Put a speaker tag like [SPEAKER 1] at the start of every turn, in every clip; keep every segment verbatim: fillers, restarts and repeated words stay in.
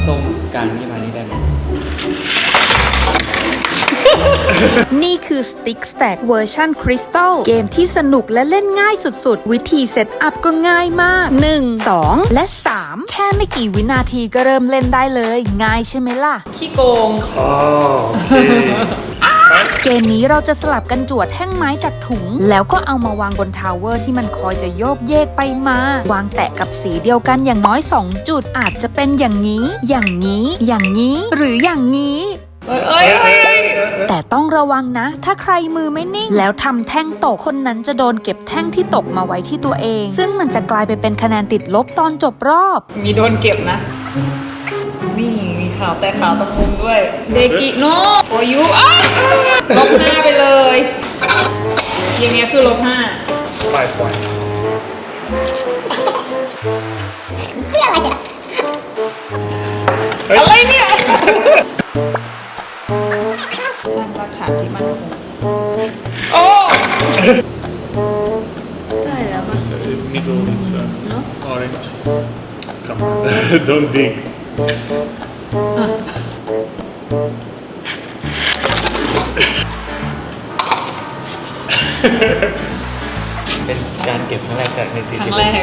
[SPEAKER 1] ส้มกลางนี่มานี่ได้ไหม
[SPEAKER 2] นี่คือ Stick Stack เวอร์ชันคริสตัลเกมที่สนุกและเล่นง่ายสุดๆ วิธีเซตอัพก็ง่ายมาก หนึ่ง สอง และ สาม แค่ไม่กี่วินาทีก็เริ่มเล่นได้เลย ง่ายใช่ไหมล่ะ
[SPEAKER 3] ขี้โกง
[SPEAKER 4] Oh, okay.
[SPEAKER 2] เกมนี้เราจะสลับกันจวดแท่งไม้จากถุง แล้วก็เอามาวางบนทาวเวอร์ที่มันคอยจะโยกเยกไปมา วางแตะกับสีเดียวกันอย่างน้อยสองจุดอาจจะเป็นอย่างนี้ อย่างนี้ อย่างนี้ หรืออย่างนี้
[SPEAKER 3] เอ้ยเอ้ยเอ้ยเอ้ย
[SPEAKER 2] แต่ต้องระวังนะ ถ้าใครมือไม่นิ่ง แล้วทำแท่งตกคนนั้นจะโดนเก็บแท่งที่ตกมาไว้ที่ตัวเอง ซึ่งมันจะกลายไปเป็นคะแนนติดลบตอนจบรอบ
[SPEAKER 3] มีโดนเก็บนะ นี่มีขาวแต่ขาวตรงมุมด้วย เดกิโนโอยุอ้าวลบห้าไปเลยอย่างเงี้ยคือลบห้า
[SPEAKER 4] Five points.
[SPEAKER 3] อะไรเนี่ย สร้างรากฐานที่มั่นคงโอ้ใช่แล้วมั้ง
[SPEAKER 4] Uh, middle, it's uh,
[SPEAKER 3] No?
[SPEAKER 4] orange. Come on, don't dig.
[SPEAKER 1] เป็นการเก็บครั้งแรกจากใน
[SPEAKER 3] ค
[SPEAKER 1] สี่
[SPEAKER 3] รั้
[SPEAKER 1] สิบ
[SPEAKER 3] งแรก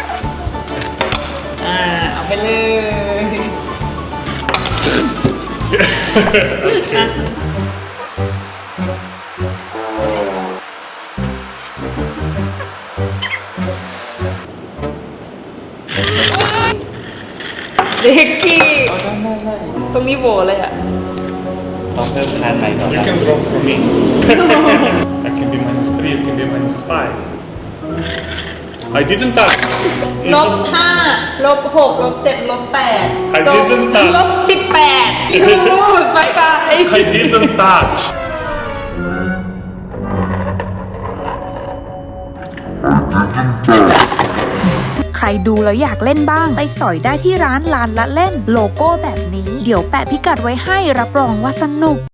[SPEAKER 3] อ่า เอาไปเลยอ่ะเด็กกี้ตรงนี้โบเลยอ่ะ
[SPEAKER 1] ต้องเพิ่มคะแนนใหม่ก่อน
[SPEAKER 4] You
[SPEAKER 1] นะ
[SPEAKER 4] can draw for me. I can be minus three, you can be minus five. I didn't touch.
[SPEAKER 3] ลบห้าลบหกลบเจ็ดลบแปด
[SPEAKER 4] I didn't touch.
[SPEAKER 3] ลบสิบแปดยูบายบาย
[SPEAKER 4] I didn't touch.
[SPEAKER 2] ใครดูแล้วอยากเล่นบ้าง ไปสอยได้ที่ร้านลานละเล่น โลโก้แบบนี้ เดี๋ยวแปะพิกัดไว้ให้รับรองว่าสนุก